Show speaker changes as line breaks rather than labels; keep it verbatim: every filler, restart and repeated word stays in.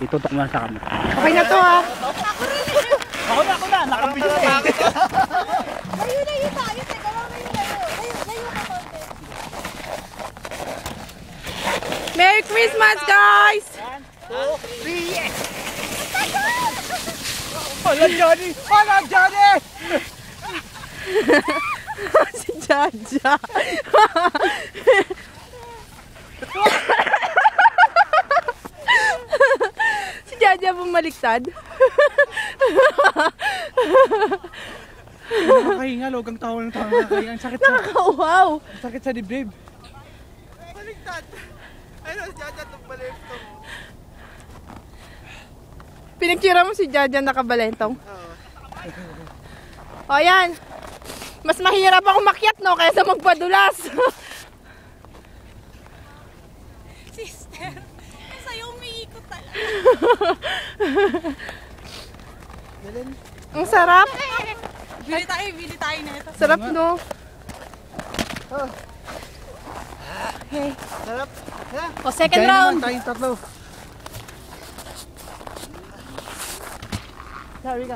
Itutok mo lang sa kami.
Okay na to ha.
Ako na, ako na. Nakabili ko.
Layo, layo tayo. Teka lang, layo, layo. Layo, layo ka konti.
Merry Christmas, guys!
two, three, yes! Hala, Johnny! Hala, Johnny!
Si Jaja. Si Jaja bumaliktad.
Nakakahinga, logang tawa ng tawa nakakahinga. Ang sakit sa...
Nakakawaw.
Ang sakit sa dibdib.
Baliktad. Ayun, si Jaja itong balito.
Pinagtira mo si Jaja nakabalentong. O yan. Mas mahirap ako makyat no kaysa magpadulas.
Sister, sa'yo umiikot talaga.
Ang sarap.
Bili tayo, bili tayo na ito.
Sarap no. Okay.
Sarap.
O, second
Kaya
round.
naman tayong tatlo. Sorry ka.